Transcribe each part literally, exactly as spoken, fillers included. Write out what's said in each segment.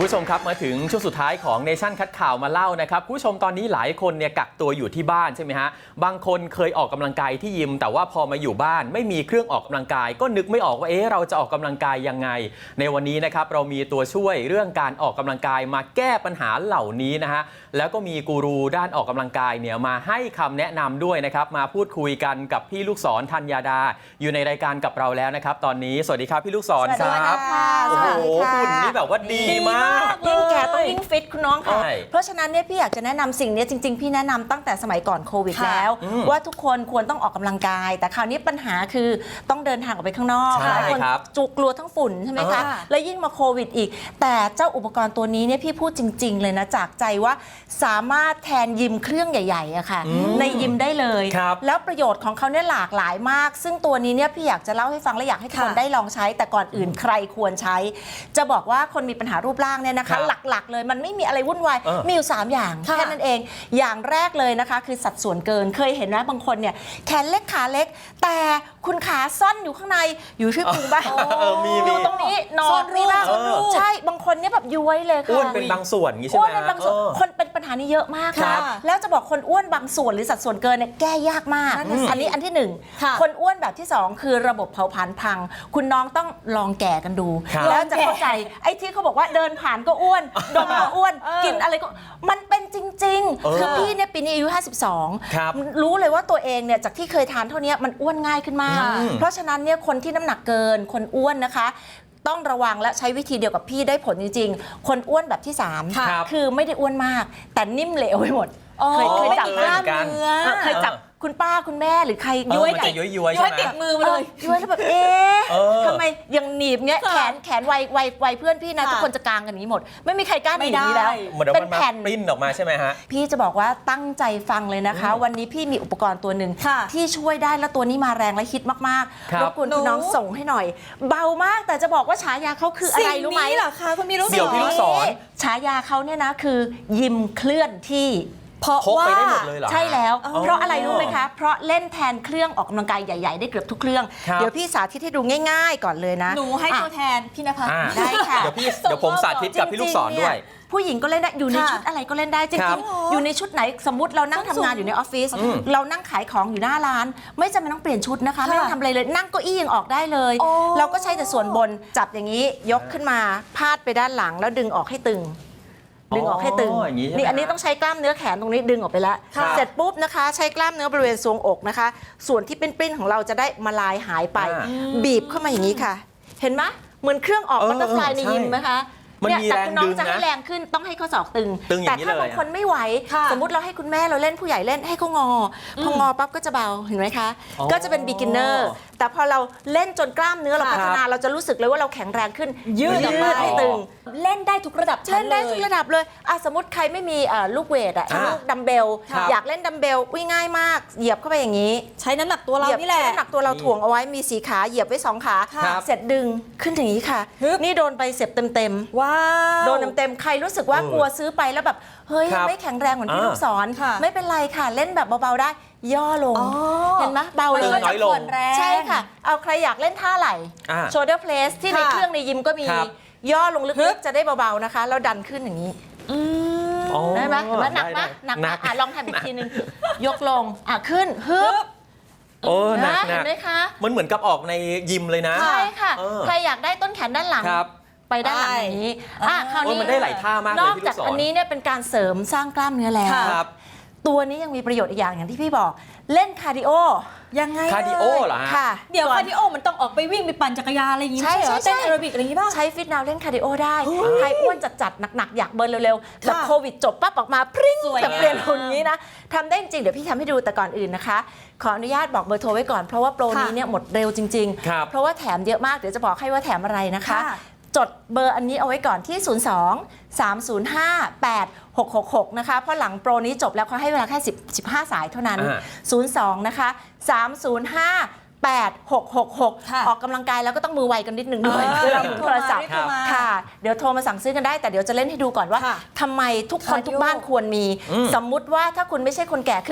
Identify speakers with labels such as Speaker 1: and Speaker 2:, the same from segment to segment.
Speaker 1: ผู้ชมครับมาถึงช่วงสุดท้ายของเนชั่นคัดข่าวมาเล่านะครับผู้ชมตอนนี้หลายคนเนี่ยกักตัวอยู่ที่บ้านใช่ไหมฮะบางคนเคยออกกำลังกายที่ยิมแต่ว่าพอมาอยู่บ้านไม่มีเครื่องออกกำลังกายก็นึกไม่ออกว่าเอ๊ะเราจะออกกำลังกายยังไงในวันนี้นะครับเรามีตัวช่วยเรื่องการออกกำลังกายมาแก้ปัญหาเหล่านี้นะฮะแล้วก็มีกูรูด้านออกกำลังกายเนี่ยมาให้คำแนะนำด้วยนะครับมาพูดคุยกันกับพี่ลูกศรธัญญาดาอยู่ในรายการกับเราแล้วนะครับตอนนี้สวัสดีครับพี่ลูกศรครับโอ้โหหุ่นนี่แบบว่าดีมาก
Speaker 2: ยิ่งแก่ต้องยิ่งฟิตคุณน้องค่ะเพราะฉะนั้นเนี่ยพี่อยากจะแนะนำสิ่งนี้จริงๆพี่แนะนำตั้งแต่สมัยก่อนโควิดแล้วว่าทุกคนควรต้องออกกำลังกายแต่คราวนี้ปัญหาคือต้องเดินทางออกไปข้างนอกหลายคนจุกกลัวทั้งฝุ่นใช่ไหมคะแล้วยิ่งมาโควิดอีกแต่เจ้าอุปกรณ์ตัวนี้เนี่ยพี่พูดจริงๆเลยนะจากใจว่าสามารถแทนยิมเครื่องใหญ่ๆอะค่ะในยิมได้เลยแล้วประโยชน์ของเขาเนี่ยหลากหลายมากซึ่งตัวนี้เนี่ยพี่อยากจะเล่าให้ฟังและอยากให้ทุกคนได้ลองใช้แต่ก่อนอื่นใครควรใช้จะบอกว่าคนมีปัญหารูปร่างเนี่ยนะคะหลักๆเลยมันไม่มีอะไรวุ่นวายมีอยู่สามอย่างแค่นั้นเองอย่างแรกเลยนะคะคือสัดส่วนเกินเคยเห็นนะบางคนเนี่ยแขนเล็กขาเล็กแต่คุณขาซ่อนอยู่ข้างในอยู่ที่พุงบ้างอยู่ตรงนี้นอนนี่บ้างใช่บางคนเนี่ยแบบย้วยเลยค่ะ
Speaker 1: อ้วนเป็นบางส่วนงี้ใช่ไหมอ้วน
Speaker 2: เป็นบางส่วนคนเป็นปัญหานี้เยอะมากค่ะแล้วจะบอกคนอ้วนบางส่วนหรือสัดส่วนเกินเนี่ยแก้ยากมากอันนี้อันที่หนึ่งคนอ้วนแบบที่สองคือระบบเผาผลาญพังคุณน้องต้องลองแก่กันดูแล้วจะเข้าใจไอ้ที่เขาบอกว่าเดินผ่านก็อ้วนดมก็อ้วนกินอะไรก็มันเป็นจริงๆคือพี่เนี่ยปีนี้อายุห้าสิบสองรู้เลยว่าตัวเองเนี่ยจากที่เคยทานเท่านี้มันอ้วนง่ายขึ้นมากเพราะฉะนั้นเนี่ยคนที่น้ำหนักเกินคนอ้วนนะคะต้องระวังและใช้วิธีเดียวกับพี่ได้ผลจริงๆคนอ้วนแบบที่สามคือไม่ได้อ้วนมากแต่นิ่มเหลวไปหมดเคยเคยจับกล้ามเนื้อเคยจับคุณป้าคุณแม่หรือใครย้วย
Speaker 1: ย้วยย้วย
Speaker 2: ติดมือมาเลยย้วยแล้วแบบเอ๊ะทำไมยังหนีบเงี้ยแขนแขนไวไวไวเพื่อนพี่นะทุกคนจะกางกันนี้หมดไม่มีใครกล้าหนีนี้แล้ว
Speaker 1: เป็นแผ่นปริ้นออกมาใช่ไหมฮะ
Speaker 2: พี่จะบอกว่าตั้งใจฟังเลยนะคะวันนี้พี่มีอุปกรณ์ตัวหนึ่งที่ช่วยได้แล้วตัวนี้มาแรงและฮิตมากๆรบกวนคุณน้องส่งให้หน่อยเบามากแต่จะบอกว่าฉายาเขาคืออะไรรู้ไหม
Speaker 3: เหรอคะคุณพี่รู้
Speaker 1: เดี๋ยวพี่ลูกศร
Speaker 2: ฉายาเขาเนี่ยนะคือยิมเคลื่อนที่
Speaker 1: เพราะว่า
Speaker 2: ใช่แล้วเพราะอะไรรู้ไหมคะเพราะเล่นแทนเครื่องออกกำลังกายใหญ่ๆได้เกือบทุกเครื่องเดี๋ยวพี่สาธิตให้ดูง่ายๆก่อนเลยนะ
Speaker 3: หนูให้ตัวแทนพี่นภัส
Speaker 2: ได้ค่ะ
Speaker 1: เดี๋ยวพี่เดี๋ยวผมสาธิตกับพี่ลูกศรด้วย
Speaker 2: ผู้หญิงก็เล่นได้อยู่ในชุดอะไรก็เล่นได้จริงๆอยู่ในชุดไหนสมมุติเรานั่งทำงานอยู่ในออฟฟิศเรานั่งขายของอยู่หน้าร้านไม่จำเป็นต้องเปลี่ยนชุดนะคะไม่ต้องทำอะไรเลยนั่งเก้าอี้ยังออกได้เลยเราก็ใช้แต่ส่วนบนจับอย่างนี้ยกขึ้นมาพาดไปด้านหลังแล้วดึงออกให้ตึงดึงออกให้ตึงนี่อันนี้ต้องใช้กล้ามเนื้อแขนตรงนี้ดึงออกไปแล้วเสร็จปุ๊บนะคะใช้กล้ามเนื้อบริเวณทรวงอกนะคะส่วนที่เป็นปริ้นของเราจะได้มาลายหายไปบีบเข้ามาอย่างนี้ค่ะเห็นไหมเหมือนเครื่องออกบัตเตอร์ฟลายในยิมไหมคะเนี่ยแต่คุณน้องจะให้แรงขึ้นต้องให้ข้อศอกตึงแต่ถ้าบางคนไม่ไหวสมมุติเราให้คุณแม่เราเล่นผู้ใหญ่เล่นให้เขางอพองอปั๊บก็จะเบาเห็นไหมคะก็จะเป็น beginner แต่พอเราเล่นจนกล้ามเนื้อเราพัฒนาเราจะรู้สึกเลยว่าเราแข็งแรงขึ้น
Speaker 3: ยืด
Speaker 2: ให้ตึง
Speaker 3: เล่นได้ทุกระดับ
Speaker 2: เล่นได้ทุกระดับเลยอ่ะสมมติใครไม่มีลูกเวทอ่ะลูกดัมเบลอยากเล่นดัมเบลวิ่งง่ายมากเหยียบเข้าไปอย่างนี้
Speaker 3: ใช้น้ำหนักตัวเรานี่แหละ
Speaker 2: น้ำหนักตัวเราถ่วงเอาไว้มีสีขาเหยียบไว้สองขาเสร็จดึงขึ้นอย่างนี้ค่ะนี่โดนไปเสียบเต็ม
Speaker 3: ๆว้าว
Speaker 2: โดนเต็มๆใครรู้สึกว่ากลัวซื้อไปแล้วแบบเฮ้ยไม่แข็งแรงเหมือนพี่ลูกศรไม่เป็นไรค่ะเล่นแบบเบาๆได้ย่อลงเห็นไหมเบาเลย
Speaker 1: น้อยลง
Speaker 2: ใช่ค่ะเอาใครอยากเล่นท่าไหล่ shoulder press ที่ในเครื่องในยิมก็มีย่อลงลึกๆจะได้เบาๆนะคะแล้วดันขึ้นอย่างนี้ได้ไหมเห็นไหมหนักไหมหนักอ่ะลองทำอีกทีนึงยกลงอ่ะขึ้นฮึบ
Speaker 1: โอ้หนัก
Speaker 2: เห็นไหมคะ
Speaker 1: มันเหมือนกับออกในยิมเลยนะ
Speaker 2: ใช่ค่ะใครอยากได้ต้นแขนด้านหลังไปด้านหลังอย่างนี้อ่ะคราวนี้
Speaker 1: มันได้หลายท่ามากเลย
Speaker 2: นอกจากอันนี้เนี่ยเป็นการเสริมสร้างกล้ามเนื้อแล้วตัวนี้ยังมีประโยชน์อีกอย่างอย่างที่พี่บอกเล่นคาร์ดิโอ
Speaker 3: ยังไง
Speaker 1: คาร์ดิโอเหรอ
Speaker 2: ค่ะ
Speaker 3: เดี๋ยวคาร์ดิโอมันต้องออกไปวิ่งไปปั่นจักรยานอะไรอย่างงี้ใช่เหรอเต้นแอโรบิกอะไรอย่างงี้ป่ะ
Speaker 2: ใช้ฟิตนาวเล่นคาร์ดิโอได้ใครอ้วนจัดๆหนักๆอยากเบิร์นเร็วๆแบบโควิดจบปั๊บออกมาพริ้งแบบเปลี่ยนหุ่นนี้นะทำได้จริงเดี๋ยวพี่ทำให้ดูแต่ก่อนอื่นนะคะขออนุญาตบอกเบอร์โทรไว้ก่อนเพราะว่าโปรนี้เนี่ยหมดเร็วจริงๆเพราะว่าแถมเยอะมากเดี๋ยวจะบอกให้ว่าแถมอะไรนะคะจดเบอร์อันนี้เอาไว้ก่อนที่ศูนย์ สอง สาม ศูนย์ ห้า แปด หก หก หกนะคะเพราะหลังโปรนี้จบแล้วเขาให้เวลาแค่สิบ สิบห้าสายเท่านั้นศูนย์ สองนะคะสาม ศูนย์ ห้า แปด หก หก หกออกกำลังกายแล้วก็ต้องมือไวกันนิดนึงด้วยเวลาโทรศัพท์ค่ะเดี๋ยวโทรมาสั่งซื้อกันได้แต่เดี๋ยวจะเล่นให้ดูก่อนว่าทำไมทุกคนทุกบ้านควรมีสมมุติว่าถ้าคุณไม่ใช่คนแก่คือ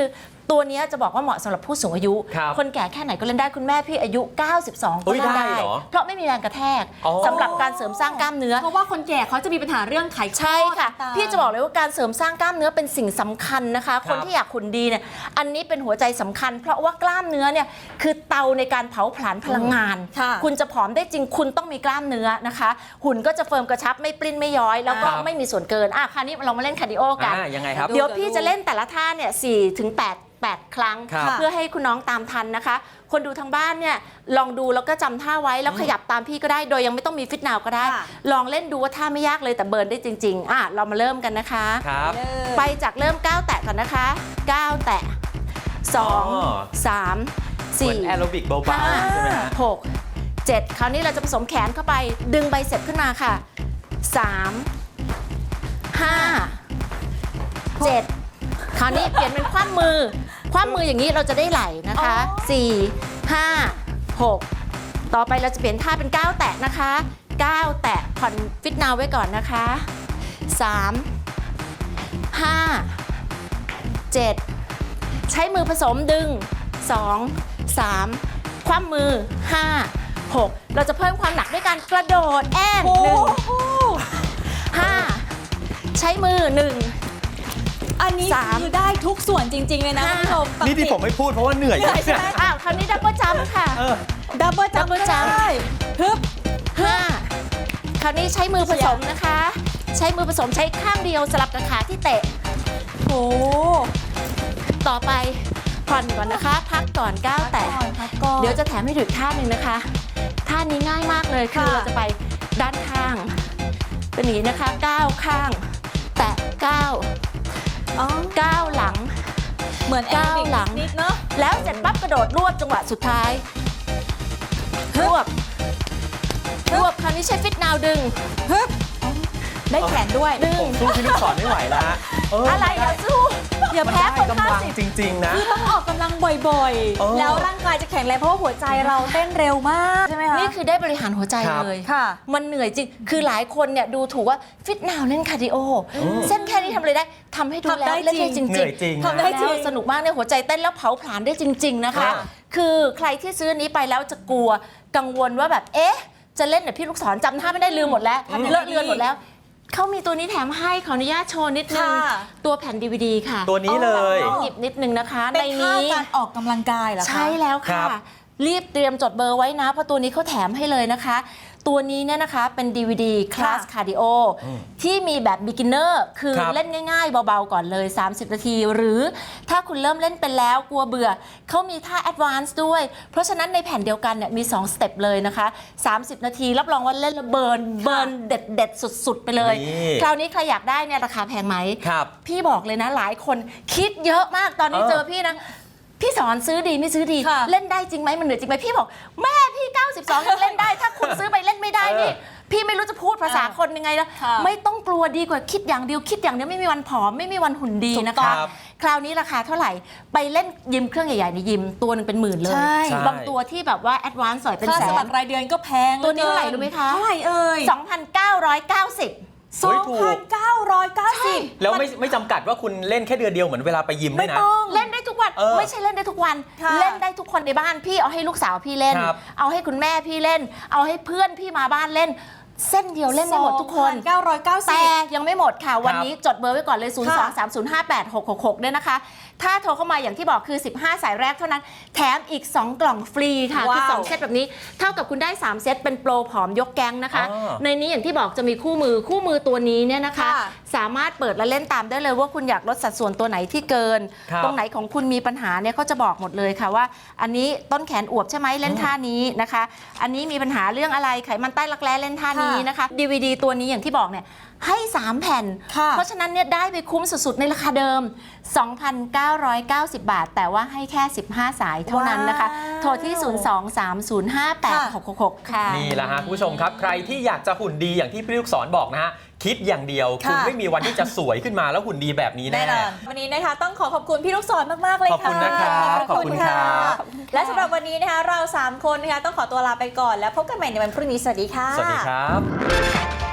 Speaker 2: ตัวเนี้ยจะบอกว่าเหมาะสำหรับผู้สูงอายุ
Speaker 1: ครับ
Speaker 2: คนแก่แค่ไหนก็เล่นได้คุณแม่พี่อายุ เก้าสิบสอง ก็เล่น
Speaker 1: เฮ้ยได้
Speaker 2: ได้
Speaker 1: เหรอ
Speaker 2: เพราะไม่มีแรงกระแทก
Speaker 1: อ๋อ
Speaker 2: สำหรับการเสริมสร้างกล้ามเนื้อ
Speaker 3: เพราะว่าคนแก่เขาจะมีปัญหาเรื่องไขข้อ
Speaker 2: ใช่ค่ะ
Speaker 3: ต่างๆ
Speaker 2: พี่จะบอกเลยว่าการเสริมสร้างกล้ามเนื้อเป็นสิ่งสำคัญนะคะ คนที่อยากหุ่นดีเนี่ยอันนี้เป็นหัวใจสำคัญ เพราะว่ากล้ามเนื้อเนี่ยคือเตาในการเผาผลาญพลังงาน
Speaker 3: ค่ะ
Speaker 2: คุณจะผอมได้จริงคุณต้องมีกล้ามเนื้อนะคะ หุ่นก็จะเฟิร์มกระชับไม่ปลิ้นไม่ย้อย แล้วก็
Speaker 1: ครับ
Speaker 2: ไม่มีส่วนเกินอ่ะคราวนี้เรามาเล่นคาร์ดิโอกัน
Speaker 1: อ่ายังไงครับ
Speaker 2: เดี๋ยวพี่จะเล่นแต่ละท่าเนี่ยสี่ถึงแปด แปดครั้ง
Speaker 1: ครับ
Speaker 2: เพื่อให้คุณน้องตามทันนะคะ คนดูทางบ้านเนี่ยลองดูแล้วก็จำท่าไว้แล้วขยับตามพี่ก็ได้โดยยังไม่ต้องมีฟิตนาวก็ได้
Speaker 3: ค่ะ
Speaker 2: ลองเล่นดูว่าท่าไม่ยากเลยแต่เบิร์นได้จริงๆอ่ะเรามาเริ่มกันนะคะ
Speaker 1: ครับ
Speaker 2: ไปจากเริ่มก้าวแตะก่อนนะคะก้าวแตะสอง
Speaker 1: อ๋อ
Speaker 2: สาม
Speaker 1: เหมื
Speaker 2: สี่
Speaker 1: อนแอโรบิกเบา
Speaker 2: ห้า
Speaker 1: ๆใช่ไหมฮะ
Speaker 2: หกเจ็ดคราวนี้เราจะผสมแขนเข้าไปดึงไบเซ็ปขึ้นมาค่ะสามห้าเจ็ดคราวนี้เปลี่ยนเป็นคว่ำมือคว่ำมืออย่างนี้เราจะได้ไหลนะคะสี่ห้าหกต่อไปเราจะเปลี่ยนท่าเป็นก้าวแตะนะคะก้าวแตะผ่อนฟิตนาวไว้ก่อนนะคะสามห้าเจ็ดใช้มือผสมดึงสองสามคว่ำมือห้าหกเราจะเพิ่มความหนักด้วยการกระโดดแอนหนึ่งห้าใช้มือหนึ่ง
Speaker 3: อันนี้
Speaker 2: สาม
Speaker 3: คือได้ทุกส่วนจริง ๆ เลยนะ
Speaker 2: ห้า
Speaker 3: คุณผู้ชม
Speaker 1: นี่ที่ผมไม่พูดเพราะว่าเหนื่อย
Speaker 3: เหนื่อยใช่ไหม
Speaker 2: อ้าวคราวนี้ดับเบิลจัมป์ค่ะ
Speaker 1: เออ
Speaker 3: ดับเบิลจัมป์
Speaker 2: Double jump
Speaker 3: ได้ฮึบ
Speaker 2: ห้าคราวนี้ใช้มือผสมนะคะ ใช้มือผสมใช้ข้างเดียวสลับกับขาที่เตะ
Speaker 3: โอ้
Speaker 2: ต่อไปผ่อนก่อนนะคะ พักก่อนก้าวแตะ
Speaker 3: พักก่อน
Speaker 2: เดี๋ยวจะแถมให้ถึงท่าหนึ่งนะคะ ท่านี้ง่ายมากเลยคือ
Speaker 3: ค่ะ
Speaker 2: เราจะไปด้านข้าง เป็นอย่างนี้นะคะก้าวข้าง แตะก้าว
Speaker 3: อ๋อ
Speaker 2: ก้าวหลัง
Speaker 3: เหมือนแอ
Speaker 2: ก้าว
Speaker 3: โรบิก
Speaker 2: หลัง
Speaker 3: นิดเนาะ
Speaker 2: แล้วเสร็จปั๊บกระโดดรวบจังหวะสุดท้าย รวบ รวบคราวนี้ใช้ฟิตนาวดึง
Speaker 3: ฮึบได้แขนด้วย
Speaker 2: ดึง
Speaker 1: ผมสู้พี่ลูกศรไม่ไหวแล้วฮะเออ
Speaker 2: อะไรอย่าสู้อย่า
Speaker 1: มัน
Speaker 2: แพ้
Speaker 1: ได้
Speaker 2: คน
Speaker 1: กำ
Speaker 2: ห้า
Speaker 1: ลัง
Speaker 2: สิบ
Speaker 1: จริง ๆ นะ
Speaker 3: คือต้องออกกำลังบ่อย
Speaker 1: เออ
Speaker 3: ๆ แล้วร่างกายจะแข็งแรงเพราะว่าหัวใจเราเต้นเร็วมากใช่ไหมคะ
Speaker 2: นี่คือได้บริหารหัวใจ
Speaker 1: ครับ
Speaker 2: เลย
Speaker 3: ค่ะ
Speaker 2: มันเหนื่อยจริง คือหลายคนเนี่ยดูถูกว่าฟิตนาวเล่นคาร์ดิโอ เส้นแค่นี้ทำอะไรได้ทำให้ดู
Speaker 3: ทำ
Speaker 2: แล้
Speaker 3: ได้
Speaker 2: วเล่นได้
Speaker 3: จ
Speaker 2: จ
Speaker 3: ริง
Speaker 2: ริง
Speaker 1: เหนื่อยจริง
Speaker 3: ทำได้จริง
Speaker 2: แล้วสนุกมากเนี่ยหัวใจเต้นแล้วเผาผลาญได้จริง ๆนะคะ
Speaker 1: ค่ะ
Speaker 2: คือใครที่ซื้ออันนี้ไปแล้วจะกลัวกังวลว่าแบบเอ๊ะจะเล่นแบบพี่ลูกศรจำท่าไม่ได้ลืมหมดแล้ว
Speaker 3: ทำยังไง
Speaker 2: เลอะเลือน
Speaker 3: ดี
Speaker 2: หมดแล้วเขามีตัวนี้แถมให้ขออนุญาตโชว์นิดนึง
Speaker 3: ค่ะ
Speaker 2: ตัวแผ่น ดี วี ดี ค่ะ
Speaker 1: ตัวนี้เลย
Speaker 2: ลองหยิบนิดนึงนะคะ
Speaker 3: เป็
Speaker 2: ใน
Speaker 3: นท่า
Speaker 2: นี้
Speaker 3: การออกกำลังกายเหรอคะ
Speaker 2: ใช่แล้ว
Speaker 1: ครั
Speaker 2: ค่ะ
Speaker 1: บ
Speaker 2: รีบเตรียมจดเบอร์ไว้นะ เพราะตัวนี้เขาแถมให้เลยนะคะ ตัวนี้เนี่ยนะคะเป็น ดี วี ดี คลาสคาร์ดิโอที่มีแบบ beginner คือ
Speaker 1: ครับ
Speaker 2: เล่นง่ายๆ เบาๆ ก่อนเลย สามสิบ นาที หรือถ้าคุณเริ่มเล่นเป็นแล้วกลัวเบื่อ เขามีท่า advance ด้วย เพราะฉะนั้นในแผ่นเดียวกันเนี่ยมี สอง สเต็ปเลยนะคะ สามสิบ นาที รับรองว่าเล่นแล้วเบิร์นเบิร์นเด็ดๆ สุดๆ ไปเลย
Speaker 1: นี่
Speaker 2: คราวนี้ใครอยากได้เนี่ยราคาแพงไหม
Speaker 1: ครับ
Speaker 2: พี่บอกเลยนะหลายคนคิดเยอะมากตอนนี้
Speaker 1: เออ
Speaker 2: เจอพี่นะ พี่สอนซื้อดีไม่ซื้อดี
Speaker 3: ค่ะ
Speaker 2: เล่นได้จริงไหมมันเหนื่อยจริงไหมพี่บอกแม่พี่ เก้าสิบสอง ยังเล่นได้ ถ้าคุณซื้อไปเล่นไม่ได้นี่
Speaker 1: เออ
Speaker 2: พี่ไม่รู้จะพูดภาษาคนยังไงแล้ว
Speaker 3: ค่ะ
Speaker 2: ไม่ต้องกลัวดีกว่าคิดอย่างเดียวคิดอย่างเดียวไม่มีวันผอมไม่มีวันหุ่นดี
Speaker 3: ถูก
Speaker 2: นะ
Speaker 3: ต้อ
Speaker 2: คะ
Speaker 3: ง
Speaker 1: ครับ
Speaker 2: คราวนี้ราคาเท่าไหร่ไปเล่นยิมเครื่องใหญ่ๆในยิมตัวหนึงเป็นหมื่นเลย
Speaker 3: ใช่
Speaker 2: บางตัวที่แบบว่าแอดวานซ์หน่อยเป็น
Speaker 3: ค่า
Speaker 2: แส
Speaker 3: สมัน ครรายเดือนก็แพง
Speaker 2: ตัวนี้เท่าไหร่รู้ไหมคะ
Speaker 3: เท่าไหร่เอ่ย
Speaker 2: สองพันเก้าร้อยเก้าสิบ
Speaker 3: สองพันเก้าร้อยเก้าสิบ
Speaker 1: แล้วไม่ไม่จำกัดว่าคุณเล่นแค่เดือนเดียวเหมือนเวลาไปยิมด้
Speaker 3: ไม่
Speaker 1: วยนะ
Speaker 3: ต้อง
Speaker 2: เล่นได้ทุกวัน
Speaker 1: เออ
Speaker 2: ไม่ใช่เล่นได้ทุกวัน
Speaker 3: ค่ะ
Speaker 2: เล่นได้ทุกคนในบ้านพี่เอาให้ลูกสาวพี่เล่น
Speaker 1: ครับ
Speaker 2: เอาให้คุณแม่พี่เล่น เอาให้เพื่อนพี่มาบ้านเล่น เส้นเดียวเล่นได้หมดทุกคน
Speaker 3: สองพัเก้าร้อยเก้าสิ
Speaker 2: แต่
Speaker 3: บ
Speaker 2: ยังไม่หมดค่ะ วันนี้จดเบอร์ไว้ก่อนเลย ศูนย์ สอง สาม ศูนย์ ห้า แปด หก หก หก เนี่ยนะคะ ถ้าโทรเข้ามาอย่างที่บอกคือ สิบห้า สายแรกเท่านั้น แถมอีก สอง กล่องฟรีค่ะ คือ
Speaker 3: ว้าว
Speaker 2: สอง เซตแบบนี้ เท่ากับคุณได้ สาม เซตเป็นโปรผอมยกแก๊งนะคะ
Speaker 1: อ๋อ
Speaker 2: ในนี้อย่างที่บอกจะมีคู่มือคู่มือตัวนี้เนี่ยนะคะ
Speaker 3: ค่ะ
Speaker 2: สามารถเปิดและเล่นตามได้เลยว่าคุณอยากลดสัดส่วนตัวไหนที่เกิน
Speaker 1: ครับ
Speaker 2: ตรงไหนของคุณมีปัญหาเนี่ยเขาจะบอกหมดเลยค่ะว่า อันนี้ต้นแขนอวบใช่ไหมเล่นท่านี้นะคะ อันนี้มีปัญหาเรื่องอะไรไขมันใต้รักแร้เล่นท่านี้นะคะ ดี วี ดี ตัวนี้อย่างที่บอกเนี่ยให้ สาม แผ่น
Speaker 3: ค่ะ
Speaker 2: เพราะฉะนั้นเนี่ยได้ไปคุ้มสุดๆ ในราคาเดิม สองพันเก้าร้อยเก้าสิบ บาท แต่ว่าให้แค่ สิบห้า สายเท่านั้นนะคะ
Speaker 3: ว้าว
Speaker 2: โทรที่ ศูนย์ สอง สาม ศูนย์ ห้า แปด หก หก หก ค่ะ
Speaker 1: นี่แหละฮะคุณผู้ชมครับ ใครที่อยากจะหุ่นดีอย่างที่พี่ลูกศรบอกนะฮะ คิดอย่างเดียว
Speaker 3: ค่ะ
Speaker 1: คุณไม่มีวันที่จะสวยขึ้นมาแล้วหุ่นดีแบบนี้
Speaker 3: แน่
Speaker 1: แน่
Speaker 3: นอนวันนี้นะคะต้องขอขอบคุณพี่ลูกศรมาก ๆ เลย
Speaker 1: ขอบ
Speaker 3: ค่ะ
Speaker 1: คุณนะครับ
Speaker 3: ขอบคุณค่ะ
Speaker 1: ขอบคุณครับ
Speaker 3: และสำหรับวันนี้นะคะเราสามคนนะคะต้องขอตัวลาไปก่อนแล้วพบกันใหม่ในวันพรุ่งนี้สวัสดีค่ะ
Speaker 1: สวัสดีครับ